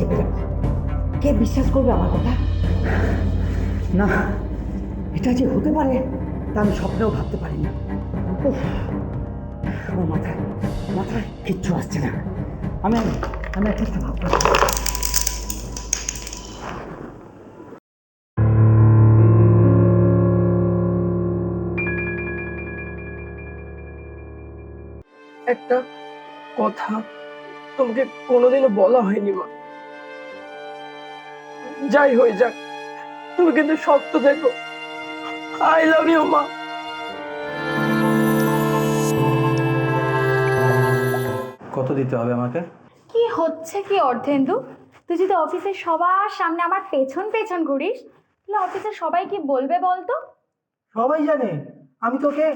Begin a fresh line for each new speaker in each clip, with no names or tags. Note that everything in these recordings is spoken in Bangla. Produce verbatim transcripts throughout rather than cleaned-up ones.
চেপে যাবে। কে বিশ্বাস করবে আমার কথা? না, এটা যে হতে পারে তা আমি স্বপ্নেও ভাবতে পারিনি। উফ, আমার মাথায় মাথায় কিচ্ছু আসছে না। আমি আমি একটা কিছু ভাবতে পারি।
একটা কথা তোমাকে কোনোদিনও বলা হয়নি মা। যাই হয়ে যাক, তুমি কিন্তু শক্ত দেখো। আই লাভ ইউ মা।
কত দিতে হবে আমাকে?
কি হচ্ছে কি অর্ধেন্দু? তুই যদি অফিসের সবার সামনে আমার পেছন পেছন ঘুরিস তাহলে অফিসের সবাই কি বলবে বলতো?
সবাই জানে আমি তোকে।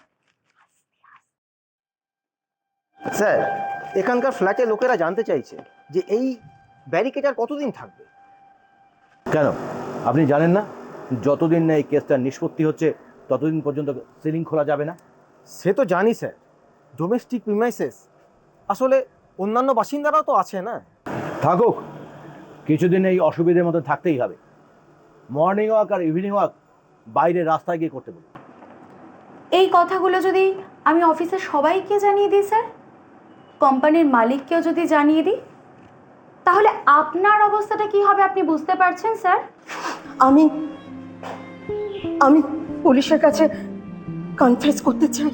স্যার, এখানকার ফ্ল্যাটে লোকেরা জানতে চাইছে যে এই ব্যারিকেড আর কতদিন থাকবে।
কেন আপনি জানেন না যতদিন না এই কেসটা নিষ্পত্তি হচ্ছে ততদিন পর্যন্ত সিলিং খোলা যাবে না?
সে তো জানি স্যার, ডোমেস্টিক প্রিমাইসেস, আসলে অন্যান্য বাসিন্দারাও তো আছে না।
থাকুক, কিছুদিন এই অসুবিধার মধ্যে থাকতেই হবে। মর্নিং ওয়াক আর ইভিনিং ওয়াক বাইরে রাস্তায় গিয়ে করতে বলুন।
এই কথাগুলো যদি আমি অফিসের সবাইকে জানিয়ে দিই স্যার, কোম্পানির মালিককেও যদি জানিয়ে দিই, তাহলে আপনার অবস্থাটা কি হবে আপনি বুঝতে পারছেন স্যার?
আমি আমি পুলিশের কাছে কনফেস করতে চাই।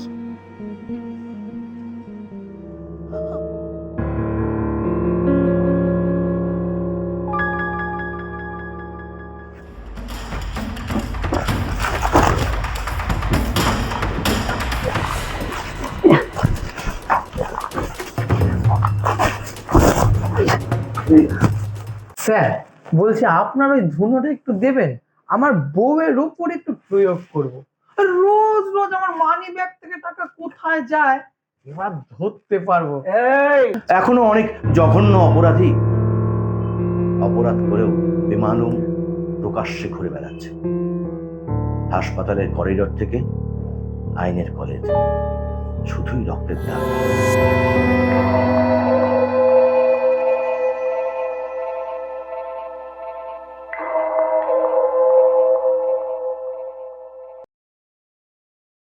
স্যার বলছি আপনার ওই ধুনোটা একটু দেবেন, আমার বউয়ের উপর একটু প্রয়োগ করব। রোজ রোজ আমার মানি ব্যাগ থেকে টাকা কোথায় যায় এবার ধরতে পারবো।
এই এখনো অনেক জঘন্য অপরাধী অপরাধ করেও বেমালুম প্রকাশ্যে ঘুরে বেড়াচ্ছে। হাসপাতালের করিডর থেকে আইনের কলেজ, শুধুই রক্তের দাগ।